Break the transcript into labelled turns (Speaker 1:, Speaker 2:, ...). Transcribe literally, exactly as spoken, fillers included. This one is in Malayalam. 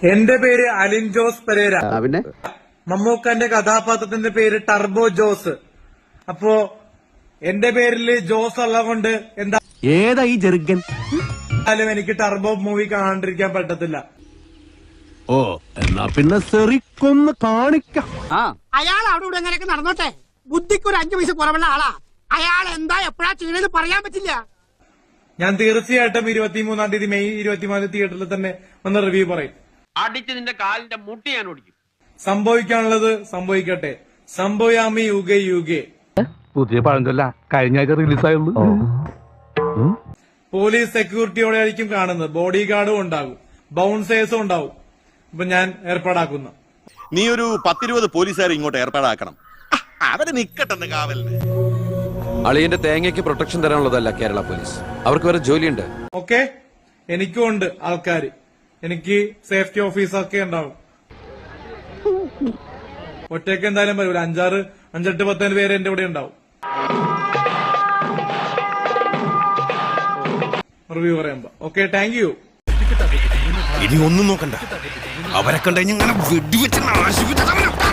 Speaker 1: എന്റെ പേര് അലിൻ ജോസ് പെരേര.
Speaker 2: പിന്നെ
Speaker 1: മമ്മൂക്കന്റെ കഥാപാത്രത്തിന്റെ പേര് ടർബോ ജോസ്. അപ്പോ എന്റെ പേരില് ജോസ് ഉള്ളതുകൊണ്ട് എന്താ
Speaker 2: ഏതാ ഈ ജെറുഗൻ?
Speaker 1: എനിക്ക് ടർബോ മൂവി കാണാണ്ടിരിക്കാൻ പറ്റത്തില്ല.
Speaker 2: ഓ എന്നാ പിന്നെ സെറിക്കൊന്ന് കാണിക്കാം.
Speaker 3: അയാൾ അവിടെ ഇവിടെ എങ്ങനെയൊക്കെ നടന്നോട്ടെ, ബുദ്ധിക്ക് ഒരു അഞ്ചു പൈസ കുറവുള്ള ആളാ. അയാൾ എന്താ എപ്പോഴാ ചെയ്യണെന്ന് പറയാൻ പറ്റില്ല.
Speaker 1: ഞാൻ തീർച്ചയായിട്ടും ഇരുപത്തിമൂന്നാം തീയതി മെയ് ഇരുപത്തിമൂന്നാം തീയതി തിയേറ്ററിൽ തന്നെ ഒന്ന് റിവ്യൂ പറയും.
Speaker 4: അടിച്ച് നിന്റെ കാലിന്റെ മുട്ടി ഞാൻ ഓടിക്കും.
Speaker 1: സംഭവിക്കാനുള്ളത് സംഭവിക്കട്ടെ. സംഭവയാമി യുഗേ യുഗേ.
Speaker 2: പുതിയ പഴഞ്ചൊല്ല കഴിഞ്ഞ ആഴ്ച റിലീസായുള്ളൂ.
Speaker 1: പോലീസ് സെക്യൂരിറ്റിയോടെ ആയിരിക്കും കാണുന്നത്. ബോഡി ഗാർഡും ഉണ്ടാകും, ബൗൺസേഴ്സും ഉണ്ടാവും. ഇപ്പൊ ഞാൻ ഏർപ്പാടാക്കുന്ന
Speaker 5: നീ ഒരു പത്തിരുപത് പോലീസുകാരെ ഇങ്ങോട്ട് ഏർപ്പാടാക്കണം. അവര് നിക്കട്ടെന്ന് കാവലിന്.
Speaker 6: അളിയന്റെ തേങ്ങയ്ക്ക് പ്രൊട്ടക്ഷൻ തരാനുള്ളതല്ല കേരള പോലീസ്. അവർക്ക് വേറെ ജോലിയുണ്ട്.
Speaker 1: ഓക്കെ, എനിക്കും ഉണ്ട് ആൾക്കാര്. എനിക്ക് സേഫ്റ്റി ഓഫീസറൊക്കെ ഉണ്ടാവും. ഒറ്റയ്ക്ക് എന്തായാലും വരും. അഞ്ചാറ് അഞ്ചെട്ട് പത്തേഴ് പേര് എന്റെ കൂടെ ഉണ്ടാവും. റിവ്യൂ പറയുമ്പോ ഓക്കെ, താങ്ക് യു.
Speaker 5: ഇനി ഒന്നും നോക്കണ്ട, അവരെ കണ്ടു കഴിഞ്ഞാൽ വെടിവെച്ച് നാശിപ്പിച്ച